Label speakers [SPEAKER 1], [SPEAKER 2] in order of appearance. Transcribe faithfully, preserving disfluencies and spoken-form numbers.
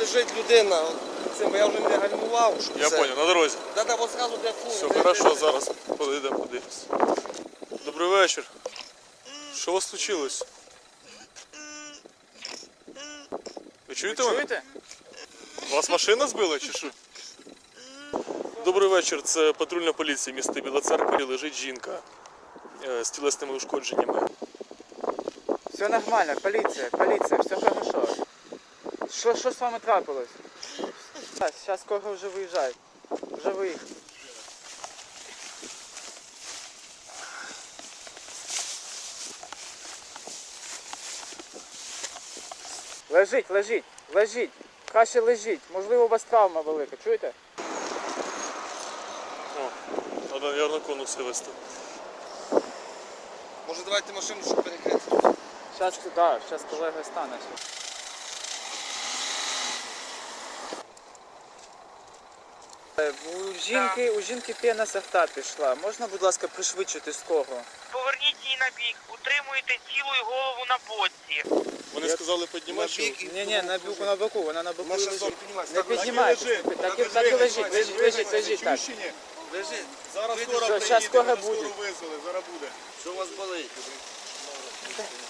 [SPEAKER 1] лежить людина. Цим, бо я вже не гальмував. Щоб
[SPEAKER 2] Я
[SPEAKER 1] це...
[SPEAKER 2] понял, на дорозі.
[SPEAKER 1] Да, да, от зразу де фу.
[SPEAKER 2] Все,
[SPEAKER 1] де,
[SPEAKER 2] хорошо,
[SPEAKER 1] де, де.
[SPEAKER 2] зараз подійдемо, подивимось. Добрий вечір. Що у вас случилось? Ви чуєте мене?
[SPEAKER 3] Чуєте?
[SPEAKER 2] Вас машина збила чи що? Добрий вечір, це патрульна поліція міста Біла Церква. Лежить жінка е, з тілесними ушкодженнями.
[SPEAKER 3] Все нормально, поліція, поліція, все хорошо. Що, що з вами трапилось? Зараз скоро вже виїжджають. Вже виїхали. Лежіть, лежіть, лежіть. Краще лежіть. Можливо, у вас травма велика, чуєте?
[SPEAKER 2] О, треба, мабуть, конуси вести.
[SPEAKER 1] Може давайте машину, щоб перекрити.
[SPEAKER 3] Зараз, да, зараз колега стане. Е, У жінки, у жінки пена з рта пішла. Можна, будь ласка, пришвидшити скору?
[SPEAKER 4] Поверніть її на бік, утримуйте тіло і голову на боці.
[SPEAKER 2] Вони сказали піднімати, що...
[SPEAKER 3] Ні, ні, на боку, на боку, вона на боку
[SPEAKER 1] Наша
[SPEAKER 3] лежить.
[SPEAKER 1] зона, піднімайся.
[SPEAKER 3] Не піднімайтеся, так і, так і лежіть, лежіть, лежіть, лежіть, так.
[SPEAKER 1] Лежить.
[SPEAKER 5] Зараз
[SPEAKER 1] Вийди,
[SPEAKER 5] скоро
[SPEAKER 3] що,
[SPEAKER 5] приїде,
[SPEAKER 3] щас скоро
[SPEAKER 5] вже
[SPEAKER 3] буде.
[SPEAKER 5] скоро визвали, зараз буде.
[SPEAKER 1] Що у вас болить?